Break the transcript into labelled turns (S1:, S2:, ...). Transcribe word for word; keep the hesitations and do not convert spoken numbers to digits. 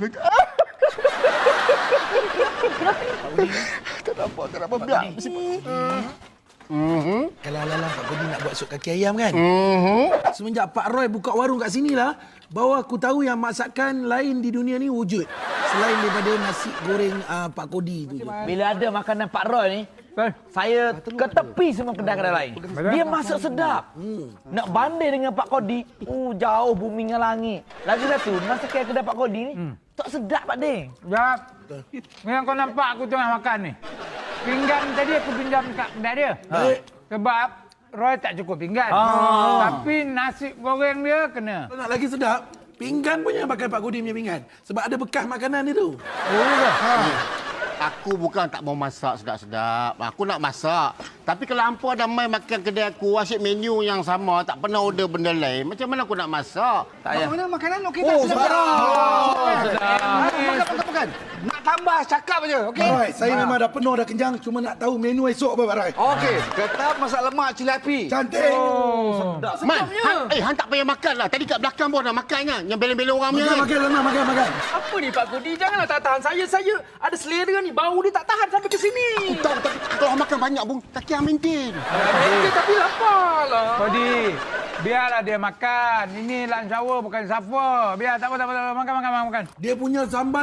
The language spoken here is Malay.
S1: Tak nampak, tak nampak. Biar.
S2: Mm-hmm.
S3: Kalau alang Pak Kodi nak buat sup kaki ayam kan?
S2: Mm-hmm.
S3: Semenjak Pak Roy buka warung kat sini lah, bahawa aku tahu yang masakan lain di dunia ni wujud. Selain daripada nasi goreng uh, Pak Kodi tu je.
S4: Bila ada makanan Pak Roy ni, saya ke tepi semua kedai-kedai lain. Dia masak sedap. Hmm. Nak banding dengan Pak Kodi, uh, jauh bumi dengan langit. Lagi satu, masakan kedai Pak Kodi ni, hmm. tak sedap Pak Ding.
S5: Jap. Yang kau nampak aku tengah makan ni. Pinggan tadi aku pinjam kat kedai dia.
S3: Ha.
S5: Sebab Roy tak cukup pinggan.
S4: Ah.
S5: Tapi nasi goreng dia kena.
S3: Kalau nak lagi sedap, pinggan pun jangan pakai Pak Kodi punya pinggan. Sebab ada bekas makanan dia tu.
S5: Oh, ya. Ha.
S2: Aku bukan tak mau masak sedap-sedap. Aku nak masak. Tapi kalau hampa ada mai makan kedai aku, asyik menu yang sama, tak pernah order benda lain, macam mana aku nak masak?
S4: Tak payah.
S1: Mana makanan okey tak?
S3: Oh,
S1: Sedap.
S3: sedap.
S1: Oh, sedap. Makan, makan, makan. Nak tambah, cakap aja, okey?
S3: Pak Roy, saya memang dah penuh, dah kenyang. Cuma nak tahu menu esok apa, Pak Roy.
S1: Okey, ketab masak lemak cili api.
S3: Cantik.
S5: Oh.
S2: Man, han, eh, Han tak payah makan lah. Tadi kat belakang pun dah makan kan? Yang bela-bela orang punya
S3: Makan,
S2: kan?
S3: makan, makan, makan, makan.
S6: Apa ni Pak Kodi? Janganlah tak tahan saya. Saya ada selera ni. Bau ni tak tahan sampai ke sini.
S2: Tak, tapi kalau makan banyak pun, tak kira maintain.
S6: Eh, tapi lapar lah.
S5: Kodi, biarlah dia makan. Ini lunch hour bukan supper. Biar tak apa, tak apa, tak apa. Makan, makan, makan.
S3: Dia punya sambal